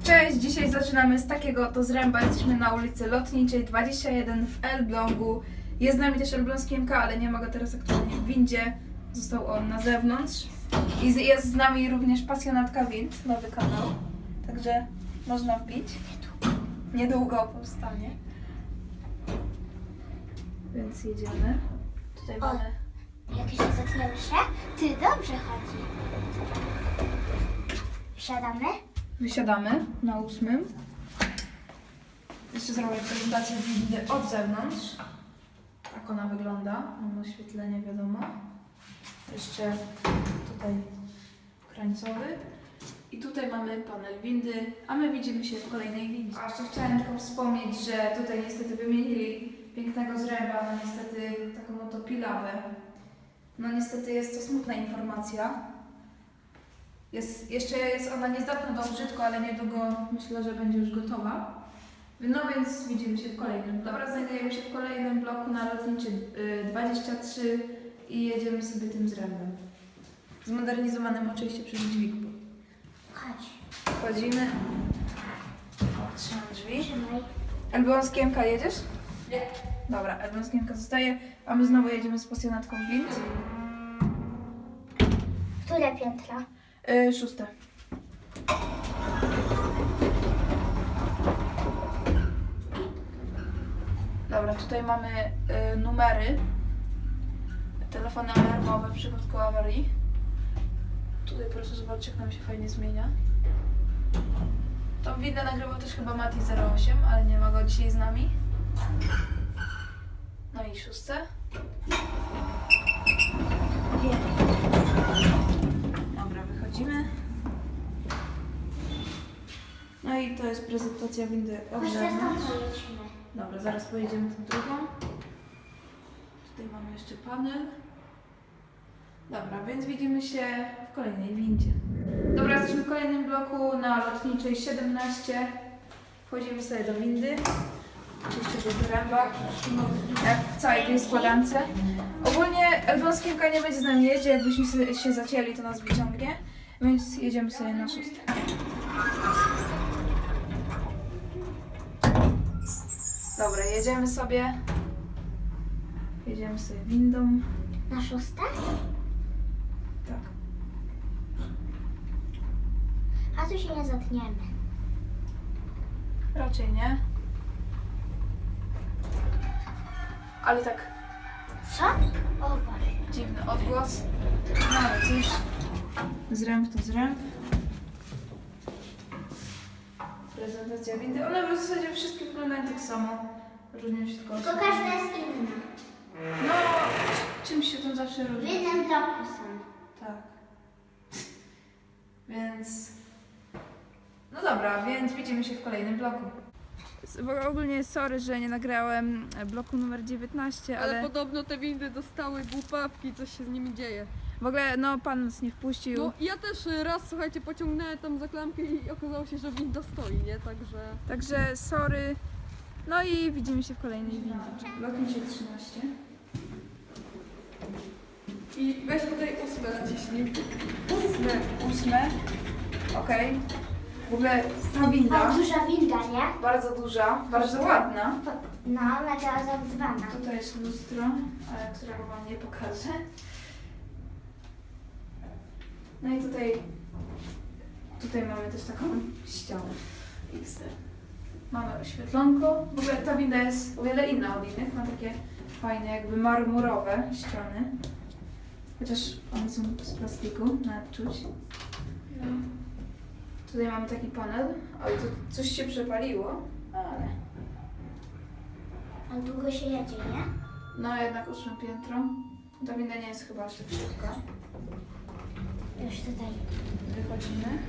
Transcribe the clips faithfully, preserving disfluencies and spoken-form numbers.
Cześć, dzisiaj zaczynamy z takiego oto zręba. Jesteśmy na ulicy Lotniczej dwadzieścia jeden w Elblągu. Jest z nami też elbląski M K, ale nie ma go teraz aktualnie w windzie. Został on na zewnątrz. I jest z nami również pasjonatka wind, nowy kanał. Także można wbić. Niedługo powstanie. Więc jedziemy. Tutaj mamy... Jak się zaczniemy się? Ty, dobrze chodzi. Wsiadamy? Wysiadamy na ósmym. Jeszcze zrobię prezentację windy od zewnątrz. Tak ona wygląda. Mamy oświetlenie, wiadomo. Jeszcze tutaj krańcowy. I tutaj mamy panel windy, a my widzimy się w kolejnej windzie. A jeszcze chciałem tylko wspomnieć, że tutaj niestety wymienili pięknego zręba na niestety taką oto pilawę. No niestety jest to smutna informacja. Jest, jeszcze jest ona niezdatna do użytku, ale niedługo myślę, że będzie już gotowa. No więc widzimy się w kolejnym. Dobra, znajdujemy się w kolejnym bloku na Lotniczej dwadzieścia trzy i jedziemy sobie tym zrębem. Zmodernizowanym oczywiście przez dźwignię. Chodź. Wchodzimy. Trzymam drzwi. Trzymaj. Elbląski M K jedziesz? Nie. Dobra, Elbląski M K zostaje, a my znowu jedziemy z pasjonatką wind. Które piętro? Yy, szóste. Dobra, tutaj mamy y, numery. Telefony alarmowe w przypadku awarii. Tutaj proszę zobaczyć, jak nam się fajnie zmienia. Tą windę nagrywał też chyba Mati zero osiem, ale nie ma go dzisiaj z nami. No i szóste. Dobra, wychodzimy. No i to jest prezentacja windy od Chodź, teraz tam zewnątrz. pojedziemy. Dobra, zaraz pojedziemy tą drugą. Tutaj mamy jeszcze panel. Dobra, więc widzimy się w kolejnej windzie. Dobra, jesteśmy w kolejnym bloku na Lotniczej siedemnaście. Wchodzimy sobie do windy. Oczywiście do zręba, jak w całej tej składance. Ogólnie elbląski M K nie będzie z nami jeździć, jakbyśmy się zacięli, to nas wyciągnie. Więc jedziemy sobie na szóstkę. Dobra, jedziemy sobie. Jedziemy sobie windą. Na szóste? Tak. A tu się nie zatniemy. Raczej nie. Ale tak Co? O Boże. dziwny odgłos. No ale cóż. Zręb to zręb. Prezentacja windy. One w zasadzie wszystkie wyglądają tak samo. Różnią się tylko Tylko oświetlenie. każda jest inna. No, czymś się tam zawsze W różni. jednym bloku są. Tak. Więc... No dobra, więc widzimy się w kolejnym bloku. Ogólnie sorry, że nie nagrałem bloku numer dziewiętnaście, Ale, ale podobno te windy dostały głupawki, coś się z nimi dzieje. w ogóle no pan nas nie wpuścił. No i ja też y, raz, słuchajcie, pociągnąłem tam za klamkę i okazało się, że winda stoi, nie? Także... Także sorry. No i widzimy się w kolejnej windzie. Lotniczej trzynaście. I weź tutaj ósme naciśnij. Ósme. Ósme. Okej. W ogóle ta O, winda, duża winda, nie? bardzo duża, bardzo ładna. No, meteorologizowana. Tutaj jest lustro, ale którego wam nie pokażę. No i tutaj, tutaj mamy też taką ścianę. X D. Mamy oświetlonko. W ogóle ta winda jest o wiele inna od innych. Ma takie fajne, jakby marmurowe ściany. Chociaż one są z plastiku, nawet czuć. No. Tutaj mamy taki panel. Oj, tu coś się przepaliło, ale... A długo się jedzie, nie? No jednak ósme piętro. Ta winda nie jest chyba aż tak szybka. Już tutaj. Wychodzimy.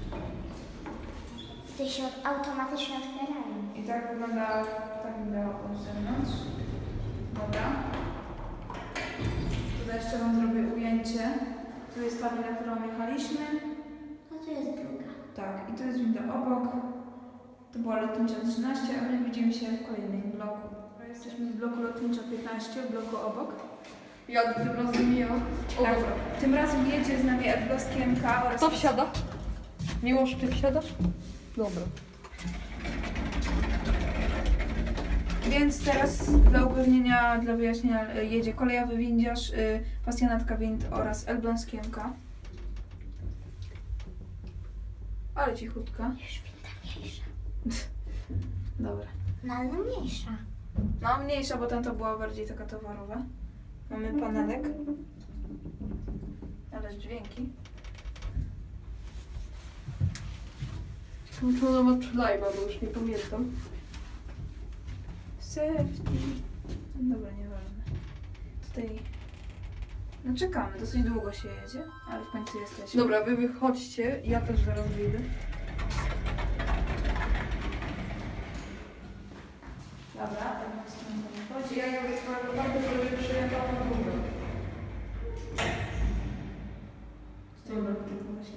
Tutaj się od- automatycznie otwierają. I tak wygląda ta winda od zewnątrz. Dobra. Tutaj jeszcze wam zrobię ujęcie. Tu jest ta winda, którą jechaliśmy. No tu jest druga. Tak, i to jest winda obok. To była Lotnicza trzynaście, a my widzimy się w kolejnym bloku. Jesteśmy w bloku Lotnicza piętnaście, w bloku obok. Jak tym razem ja. O, Tak, dobra. tym razem jedzie z nami elbląski M K oraz... Kto wsiada? Miłosz, ty wsiadasz? Dobra. Więc teraz dla upewnienia, dla wyjaśnienia y, jedzie kolejowy windziarz, y, pasjonatka wind oraz Elbląskiemka. Ale cichutka. Już winda mniejsza. Dobra. No ale mniejsza. No mniejsza, bo tamta była bardziej taka towarowa. Mamy panelek. Ale dźwięki. Ciekawe, czy ona ma przylajma, bo już nie pamiętam. Safety. No dobra, nieważne. Tutaj... No czekamy, dosyć długo się jedzie, ale w końcu jesteśmy. Dobra, wy wychodźcie, ja też zaraz wyjdę. Dobra, tak na stronę wychodzi. Ja jakby swojego bardzo, żeby przyjechała na górę. Dobra, tylko właśnie.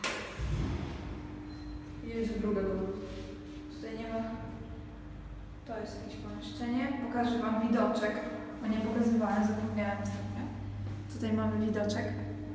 Jedzie druga do nas. Tutaj nie ma... To jest jakieś pomieszczenie. Pokażę wam widoczek, bo nie pokazywałem, zapomniałem ostatnio. Tutaj mamy widoczek.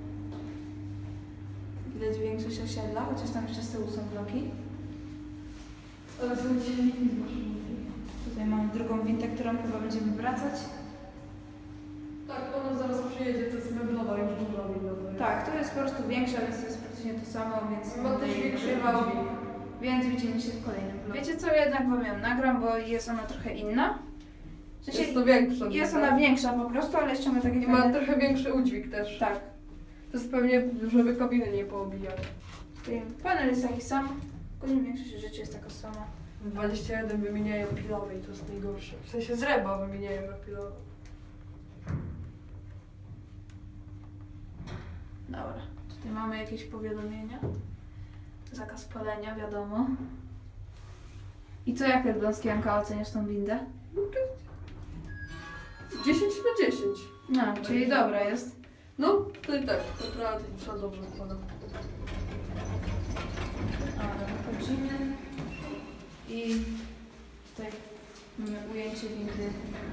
Widać większość osiedla, chociaż tam jeszcze z tyłu są bloki. Ale są silniki z maszyny. Tutaj mamy drugą wintę, którą chyba będziemy wracać. Tak, ona zaraz przyjedzie, to jest meblowa, już duża winda. to jest. Tak, to jest po prostu większa, więc to jest praktycznie to samo, więc Ma też będę jej większy ukrywał. dźwięk. Więc widzimy się w kolejnym vlogu. Wiecie co, jednak wam ją nagram, bo jest ona trochę inna. W sensie Jest to większa. jest winda. ona większa po prostu, ale jeszcze ma takie I ma fajne... trochę większy udźwig też. Tak. To jest pewnie, żeby kabiny nie poobijać. Tutaj panel jest taki sam, tylko większość rzeczy jest taka sama. dwadzieścia jeden wymieniają pilowe i to jest najgorsze. W sensie z reba wymieniają na pilowe. Dobra, tutaj mamy jakieś powiadomienia. Zakaz palenia, wiadomo. I co, jak Elbląskiemka oceniasz tą windę? dziesięć na dziesięć. No, czyli dobra jest. No, to i tak, naprawdę trzeba dobrze układa. Ale wychodzimy i tutaj mamy ujęcie windy.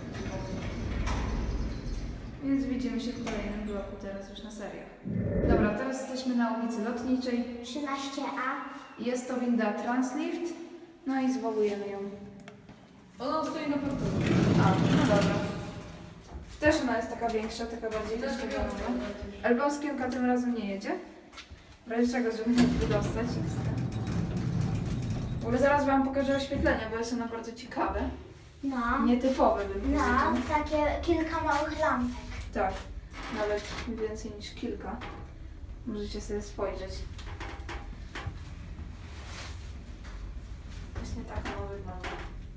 Więc widzimy się w kolejnym bloku, teraz już na serio. Dobra, teraz jesteśmy na ulicy Lotniczej. trzynaście A. Jest to winda Translift, no i zwołujemy ją. Ona stoi na parterze. A, no dobra. Też ona jest taka większa, taka bardziej Też wyścigowa. taka Elbląskiemka tym razem nie jedzie. W razie czego, żeby nie wydostać. W ogóle zaraz wam pokażę oświetlenia, bo jest ono bardzo ciekawe. No. Nietypowe bym No, powiedział. takie kilka małych lampek. Tak, nawet więcej niż kilka. Możecie sobie spojrzeć. Właśnie tak ono wygląda.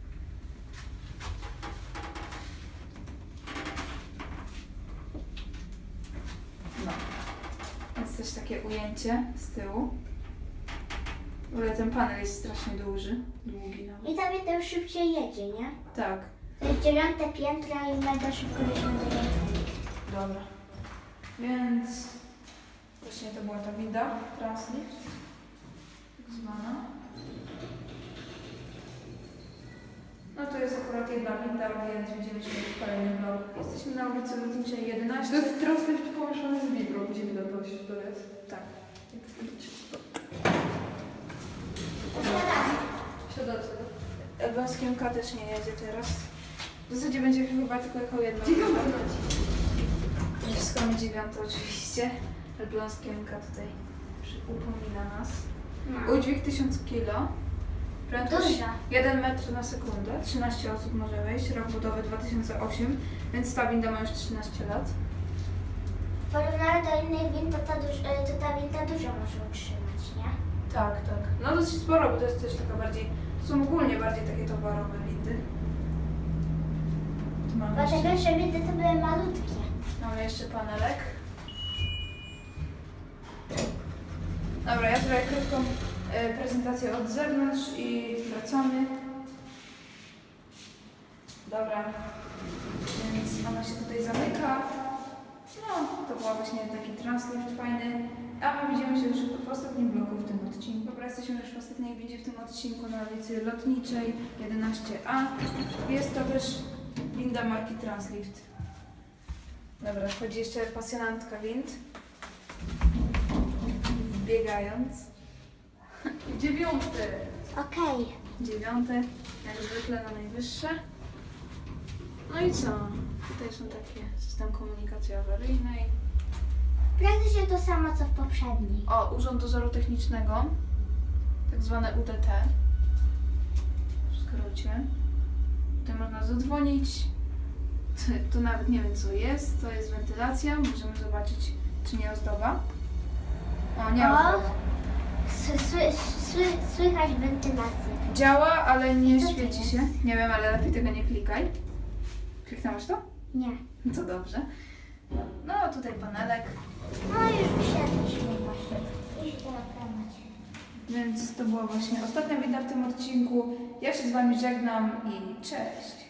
No. Jest też takie ujęcie z tyłu. W ogóle ten panel jest strasznie duży, długi nawet. I ta winda już szybciej jedzie, nie? Tak, To jest dziewiąte piętro i mega szybko jedzie na dziewiąte. dobra. Więc właśnie to była ta winda Translift, tak zwana. No to jest akurat jedna winda, więc widzimy się w kolejnym vlogu. Jesteśmy na ulicy Lotniczej jedenaście. To jest translift pomieszany z wibrą, dziwne to się to jest. Tak. Siadacie. Elbląskiemka też nie jedzie teraz. W zasadzie będzie chyba tylko jechał jedna Dziewiąta winda. leci. Naciskamy dziewiątą oczywiście. Elbląskiemka tutaj przy- upomina nas. No. Udźwig tysiąc kilo. Prędkość Duża. jeden metr na sekundę. trzynaście osób może wejść. Rok budowy dwa tysiące ósmy, więc ta winda ma już trzynaście lat. W porównaniu do innych wind, to ta, duż, y, to ta winda dużo może utrzymać, nie? Tak, tak. No dosyć sporo, bo to jest też taka bardziej, to są ogólnie bardziej takie towarowe windy. Tu mamy Bo te jeszcze, pierwsze windy to były malutkie. mamy jeszcze panelek. Dobra, ja zrobię krótką e, prezentację od zewnątrz i wracamy. Dobra, więc ona się tutaj zamyka. No, to była właśnie taki translift fajny. A my widzimy się już w ostatnim bloku w tym odcinku. Dobra, jesteśmy już w ostatniej windzie w tym odcinku na ulicy Lotniczej jedenaście A. Jest to też winda marki Translift. Dobra, wchodzi jeszcze pasjonantka wind. Biegając. Dziewiąte. Okej. Dziewiąte, jak zwykle na najwyższe. No i co? Tutaj są takie system komunikacji awaryjnej. Praktycznie to samo co w poprzedniej. O, Urząd Dozoru Technicznego, tak zwane U D T, w skrócie. Tutaj można zadzwonić. Tu nawet nie wiem co jest, to jest wentylacja, możemy zobaczyć czy nie ozdoba. O, nie O. ozdoba. Sły, sły, sły, słychać wentylację. Działa, ale nie Co to świeci jest? się. Nie wiem, ale lepiej tego nie klikaj. Kliknąłeś to? Nie. To dobrze. No, tutaj panelek. No już wysiadliśmy właśnie. Już idę reklamować. Więc to była właśnie ostatnia wideo w tym odcinku. Ja się z Wami żegnam i cześć!